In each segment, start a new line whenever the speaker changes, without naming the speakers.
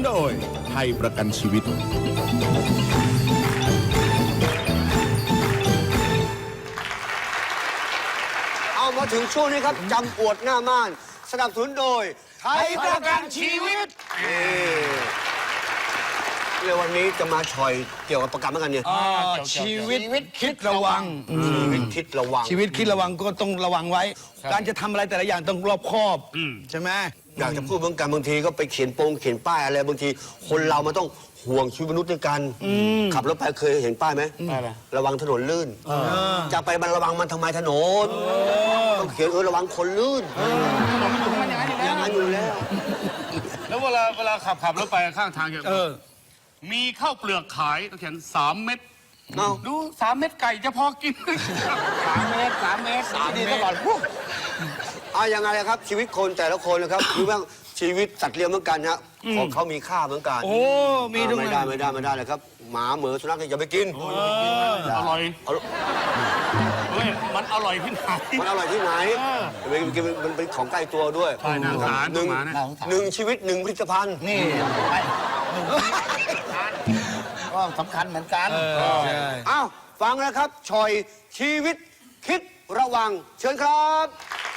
โดยไทยประกันชีวิต
เอามาถึงช่วงนี้ครับจำอวดหน้าม่านสนับสนุนโดยไทยประกันชีวิตเรื่องวันนี้จะมาชอยเกี่ยวกับประกันเหมือนกันเนี่ย
ชีวิตคิดระวัง
ชีวิตคิดระวัง
ชีวิตคิดระวังก็ต้องระวังไว้ การจะทำอะไรแต่ละอย่างต้องรอบคอบใช่ไหม
อยากจะพูดเหมือนกันบางทีก็ไปเขียนป้ายอะไรบางทีคนเรามันต้องห่วงชีวิตมนุษย์ด้วยกันขับรถไปเคยเห็นป้ายไหมระวังถนนลื่นจะไปมันระวังมันทำไมถนนต้องเขียนระวังคนลื่นอย่างนั้นอยู่แล้ว
แล้วเวลาขับรถไปข้างทางมีข้าวเปลือกขายต้องเขียน3 เม็ดดู3 เม็ดไก่จะพอกิน3 เม็ด
ดี
3 เม็ด
ตลอดยังไงครับชีวิตคนแต่ละคนนะครับหรือว่าชีวิตสัตว์เลี้ยงเหมือนกันฮะของเขามีค่าเหมือนกัน
มีด้วย
ไม่ได้เลยครับหมาเหมือสุนัขอย่าไปกิน
อร่อยเฮ้ยมันอร่อยที่ไหน
มันอร่อยที่ไหนมันเป็นของใกล้ตัวด้วยหนึ่งชีวิต1 ผลิตภัณฑ์
นี่ก็สำคัญเหมือนกัน
อ้าวฟังนะครับชอยชีวิตคิดระวังเชิญครับ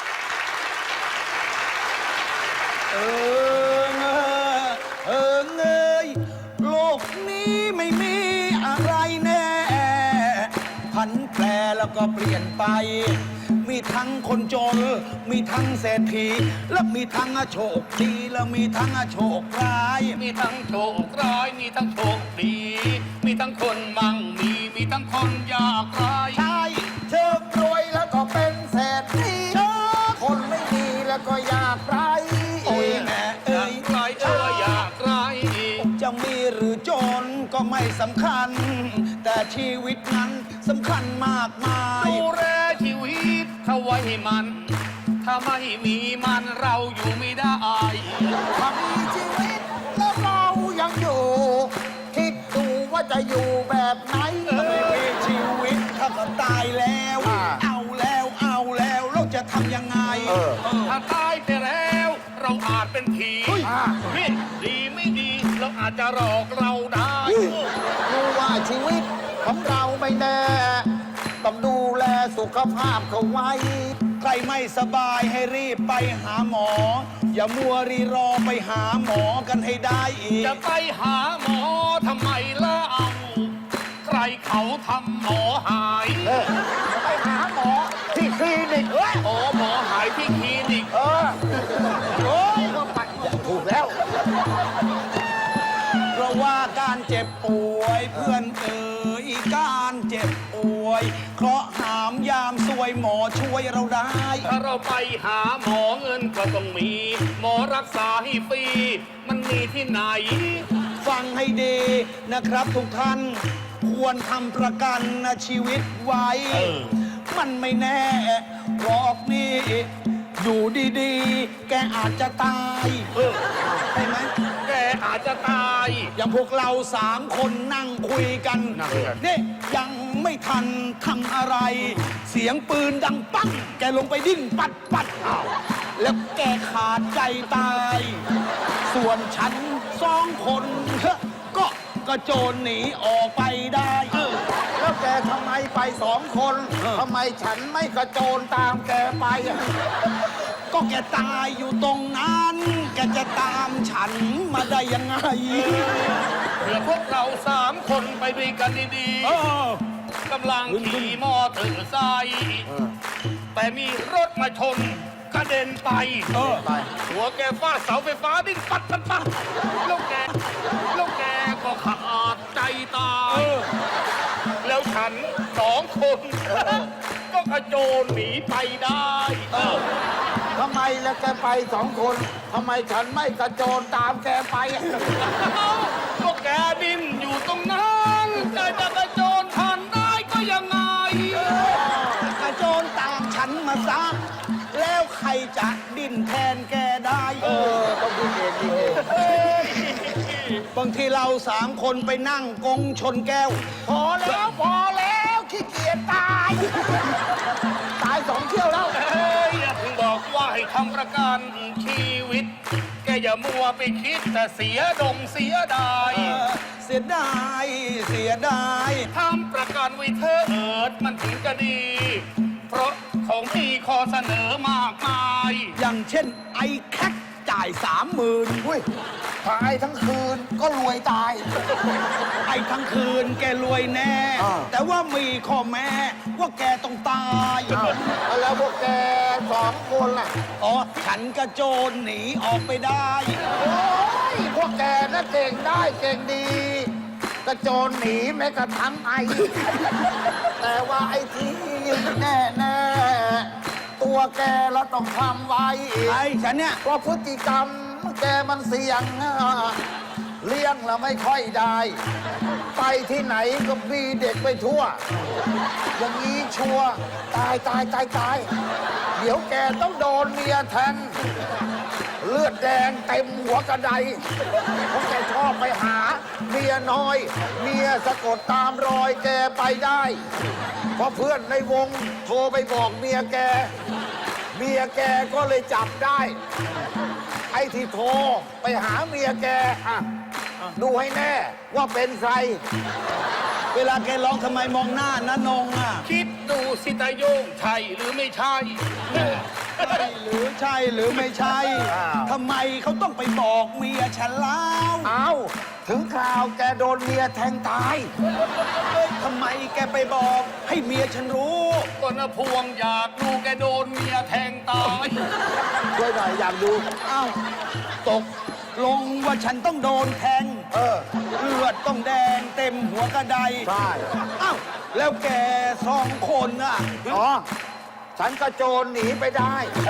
เงยโลกนี้ไม่มีอะไรแน่ผันแปรแล้วก็เปลี่ยนไปมีทั้งคนจนมีทั้งเศรษฐีและมีทั้งโชคดีและมีทั้งโชคร้าย
มีทั้งโชคร้ายมีทั้งโชคดีมีทั้งคนมั่งมีทั้งคนยากไร้
ใช่เชิญรวยแล้วก็เป็นเศรษฐีคนไม่ดีแล้วก็ยากไร้
โอ้ยแม่
ยากไร้
จะมีหรือจนก็ไม่สำคัญแต่ชีวิตนั้นสำคัญมากมาย
ดูแลชีวิตเขาไว้ให้มันถ้าไม่มีมันเราอยู่ไม่ได้
ถ้ามีชีวิตแล้วเรายังอยู่คิดดูว่าจะอยู่แบบไหน
ไม่มีชีวิตถ้าก็ตายแล้วเอาแล้วเราจะทำยังไง
ถ้าตายไปแล้วเราอาจเป็นผีดีไม่ดีเราอาจจะหลอกเราได้
รู้ว่าชีวิตของเราไม่แน่ต้องดูแลสุขภาพเขาไว้
ใครไม่สบายให้รีบไปหาหมออย่ามัวรีรอไปหาหมอกันให้ได้อีก
จะไปหาหมอทำไมล่ะเอาใครเขาทำหมอหาย
ไปหาหมอที่คลินิก
หมอหายที่คลินิก
โอ้ยก็ไปถูกแล้ว
เพราะว่าการเจ็บป่วยเพื่อนการเจ็บป่วยเคราะห์หามยามซวยหมอช่วยเราได้
ถ้าเราไปหาหมอเงินก็ต้องมีหมอรักษาให้ฟรีมันมีที่ไหน
ฟังให้ดีนะครับทุกท่านควรทำประกันชีวิตไว้มันไม่แน่หรอกนี่อยู่ดีๆแกอาจจะตายใช่ไหม
แกอาจจะตาย
อย่างพวกเรา3 คนนั่งคุยกันนี่ยังไม่ทันทำอะไรเสียงปืนดังปังแกลงไปดิ้นปัดแล้วแกขาดใจตายส่วนฉัน2 คนก็กระโจนหนีออกไปได้
แล้วแกทำไมไป2 คนทำไมฉันไม่กระโจนตามแกไป
ก็แกตายอยู่ตรงนั้นแกจะตามฉันมาได้ยังไง
เพื่อพวกเรา3 คนไปด้วยกันดีๆกำลังขี่มอเตอร์ไซค์แต่มีรถมาชนกระเด็นไปหัวแกฟาดเสาไฟฟ้าดิ้นปัดแล้วแกก็ขาดใจตายแล้วฉัน2 คนก็กระโจนหนีไปได้
ทำไมแล้วแกไป2 คนทำไมฉันไม่กระโจนตามแกไป
ก็แกดิ้นอยู่ตรงนั้นแกจะกระโจนทันได้ก็ยังไง
กระโจนตามฉันมาซะแล้วใครจะดิ้นแทนแกได้
ต้องดิ้นเอง
บางทีเรา3 คนไปนั่งกงชนแก้ว
พอแล้วขี้เกียจตาย2 เที่ยวแล้ว
อย่าเพิ่งบอกว่าให้ทำประกันชีวิตแกอย่ามัวไปคิดแต่เสียดาย
เสียดายเสียดาย
ทำประกันไว้เธอมันถึงจะดี เพราะของมีข้อเสนอมากมาย
อย่างเช่นไอ้แคทจ่าย30,000
อุ้ยตายทั้งคืนก็รวยตาย
ไอ้ทั้งคืนแกรวยแน่ แต่ว่ามีข้อแม้ว่าแกต้องตาย
แล้วพวกแก2 คนล่ะ
อ๋อฉันกระโจนหนีออกไปได้
โอ้ยพวกแกน่ะเก่งได้เก่งดี กระโจนหนีแม้กระทั่งไอ แต่ว่าไอ้ที่แน่ๆตัวแกเราต้องทำไว้
ไอ้ฉันเนี่ย
เพราะพฤติกรรมแกมันเสี่ยงเลี้ยงเราไม่ค่อยได้ ไปที่ไหนก็มีเด็กไปทั่ว อย่างนี้ชัวร์ตาย เดี๋ยวแกต้องโดนเมียแทงเลือดแดงเต็มหัวกระไดเพราะแกชอบไปหาเมียน้อย เมียสะกดตามรอยแกไปได้ เพราะเพื่อนในวงโทรไปบอกเมียแก เมียแกก็เลยจับได้ ไอ้ที่โทรไปหาเมียแกอ่ะดูให้แน่ว่าเป็นใคร
เวลาแกร้องทำไมมองหน้านะนงอ่ะ
คิดดูสิตาโยงใช่หรือไม่ใช่
ใช่หรือใช่หรือไม่ใช่
อ้าว
ทำไมเขาต้องไปบอกเมียฉันเล่า
เอาถึงคราวแกโดนเมียแทงตาย
เอ้ยทำไมแกไปบอกให้เมียฉันรู้
ก็นะพวงอยากดูแกโดนเมียแทงตาย
ช่วยหน่อยอยากดู
อ้าวตกลงว่าฉันต้องโดนแทง เลือดต้องแดงเต็มหัวกระได
ใช่
อ้าวแล้วแก2 คนน่ะ
อ๋อ ฉันกระโจนหนีไปได้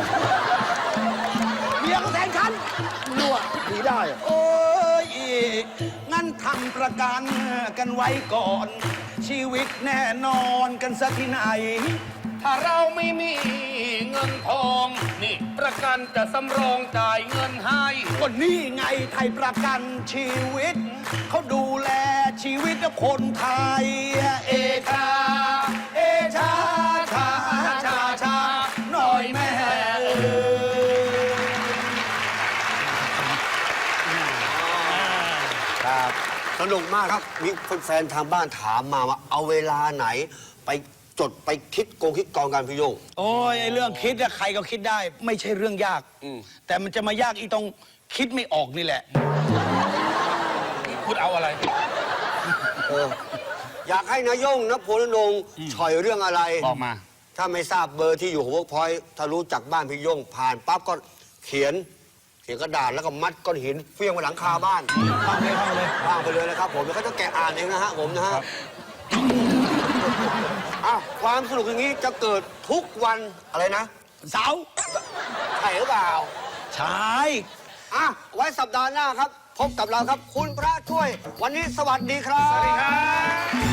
เมียก็แทงฉัน
รั่วหนีได้
โอ้ยงั้นทำประกันกันไว้ก่อน ชีวิตแน่นอนกันสักที่ไหน
ถ้าเราไม่มีเงินทอง นี่ประกันจะสำรองจ่ายเงินให้
ก็นี่ไงไทยประกันชีวิต เขาดูแลชีวิตคนไทย เอชา เอชาชาชาชาหน่อยแม่เอ้ย
ครับ สนุกมากครับ มีแฟนๆทางบ้านถามมาว่าเอาเวลาไหนไปจดไปคิดกองกันพี่โยง
โอ้ยไอ้เรื่องคิดอะใครก็คิดได้ ไม่ใช่เรื่องยาก แต่มันจะมายากอีตรงคิดไม่ออกนี่แหละ
คุณเอาอะไร
อยากให้นายโยงนพลนงค์ฉ่อยเรื่องอะไร
บอกมา
ถ้าไม่ทราบเบอร์ที่อยู่ของเวิร์กพอยต์ถ้ารู้จักบ้านพี่โยงผ่านปั๊บก็เขียนกระดาษแล้วก็มัดก้อนหินเฟี้ยงไปหลังคาบ้าน
ฟังเลยฟังเลย
ว่างไปเลยนะครับผมแล้วก็จะแกะอ่านเองนะฮะผมนะฮะอ้าวความสนุกอย่างนี้จะเกิดทุกวันอะไรนะ
เสาร์
ใช่หรือเปล่า
ใช่
อ่ะไว้สัปดาห์หน้าครับ พบกับเราครับ คุณพระช่วย วันนี้สวัสดีครับ
สวัสดีครับ